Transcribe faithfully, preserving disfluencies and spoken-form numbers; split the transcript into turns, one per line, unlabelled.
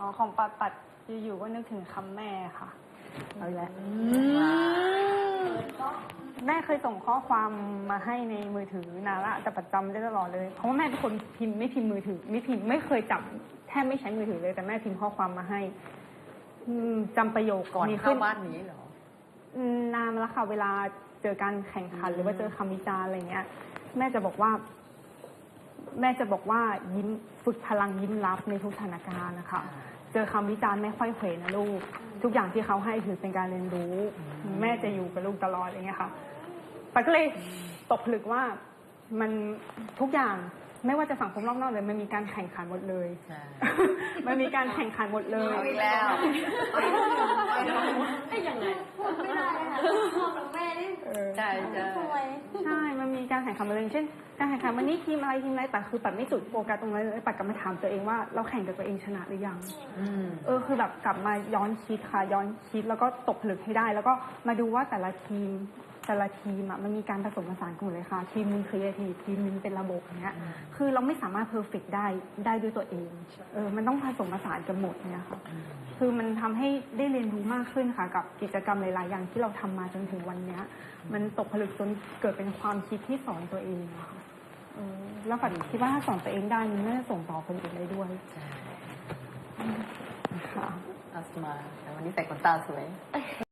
อ๋อของปัดปัดอยู่ๆก็นึกถึงคำแม่ค่ะเอาอีกแล้วแม่เคยส่งข้อความมาให้ในมือถือนานละแต่ปัดจำได้ตลอดเลยเพราะว่าแม่เป็นคนพิมพ์ไม่พิมพ์มือถือไม่พิมพ์ไม่เคยจับแทบไม่ใช้มือถือเลยแต่แม่พิมพ์ข้อความมาให้จำประโยค
ก่อน
มี
เข้าบ้านนี้เหรอ
นานมาแล้วค่ะเวลาเจอการแข่งขันหรือว่าเจอคำวิจารณ์อะไรเงี้ยแม่จะบอกว่า แม่จะบอกว่ายิ้มฝึกพลังยิ้มรับในทุกสถานการณ์นะคะเจอคำวิจารณ์ไม่ค่อยเขวนะลูกทุกอย่างที่เขาให้ถือเป็นการเรียนรู้แม่จะอยู่กับลูกตลอดอย่างเงี้ยค่ะปัดก็เลยตกผลึกว่ามันทุกอย่างไม่ว่าจะสังคมรอบนอกเลยมันมีการแข่งขันหมดเลยมันมีการแข่งขันหมดเลย
เอาอีกแล้ว
ไอ้ยังไงพูดไม่ได้ค่ะพ่อกับแม่นี่
ใช่ใช่
ใช่มันมีการแข่งขันมาเลยเช่นการแข่งขันวันนี้ทีมอะไรทีมอะไรแต่คือปัดไม่จุดโฟกัสตรงนั้นเลยปัดกลับมาถามตัวเองว่าเราแข่งกับตัวเองชนะหรือยังเออคือแบบกลับมาย้อนคิดค่ะย้อนคิดแล้วก็ตกผลึกให้ได้แล้วก็มาดูว่าแต่ละทีมแต่ละทีมอ่ะมันมีการผสมผสานกันหมดเลยค่ะทีมนึงครีเอทีฟทีมนึงเป็นระบบอย่างเงี้ยคือเราไม่สามารถเพอร์เฟกต์ได้ได้ด้วยตัวเองเออมันต้องผสมผสานกันหมดเนี่ยค่ะคือมันทำให้ได้เรียนรู้มากขึ้นค่ะกับกิจกรรมหลายๆอย่างที่เราทำมาจนถึงวันเนี้ยมันตกผลึกจนเกิดเป็นความคิดที่สอนตัวเองค่ะเออแล้วฝันคิดว่าถ้าสอนตัวเองได้มันน่าจะส่งต่อคนอื่นได้ด้วยค่ะ
อัสมาแต่วันนี้ใส่ขนตาสวย